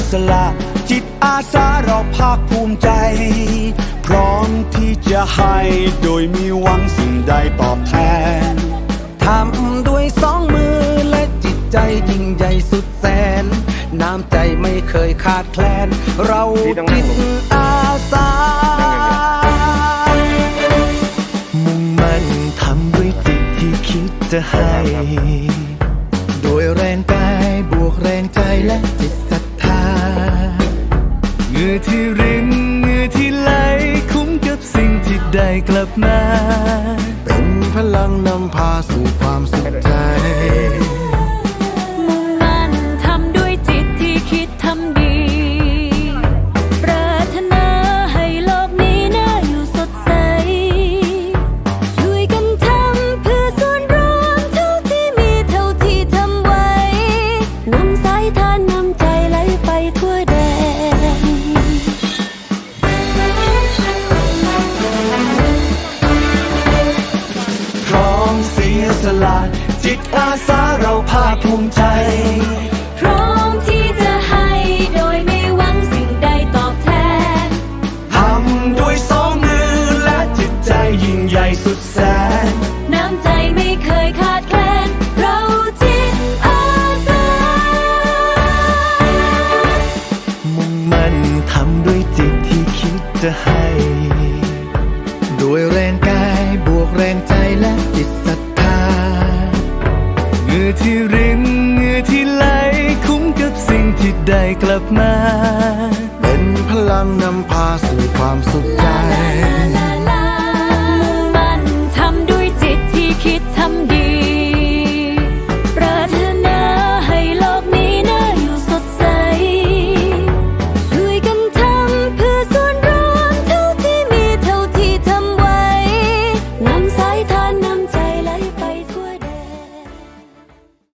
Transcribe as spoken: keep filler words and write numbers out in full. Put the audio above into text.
สละจิตอาสาเราภาคภูมิใจพร้อมที่จะให้โดยมีหวังสิ่งใดตอบแทนทำด้วยสองมือและจิตใจยิ่งใหญ่สุดแสนน้ำใจไม่เคยขาดแคลนเราจิตอาสามุ่งมั่นทำด้วยจิตที่คิดจะให้โดยแรงกายบวกแรงใจและจิตศรัทธาเหงื่อที่รินเหงื่อที่ไหลคุ้มกับสิ่งที่ได้กลับมาเป็นพลังนำพาสู่ความสุขใจมุ่งมั่นทำด้วยจิตที่คิดทำดีปรารถนาให้โลกนี้น่าอยู่สดใสช่วยกันทำเพื่อส่วนรวมเท่าที่มีเท่าที่ทำไว้นำสายทานนำใจไหลไปทั่วแดนพร้อมเสียสละจิตอาสาเราภาคภูมิใจพร้อมที่จะให้โดยไม่หวังสิ่งใดตอบแทนทำด้วยสองมือและจิตใจยิ่งใหญ่สุดแสนน้ำใจไม่เคยขาดแคลนเราจิตอาสามุ่งมั่นทำด้วยจิตที่คิดจะให้ด้วยแรงกายบวกแรงใจและจิตศรัทธาเหงื่อที่รินเหงื่อที่ไหลคุ้มกับสิ่งที่ได้กลับมาเป็นพลังนำพาสู่ความสุข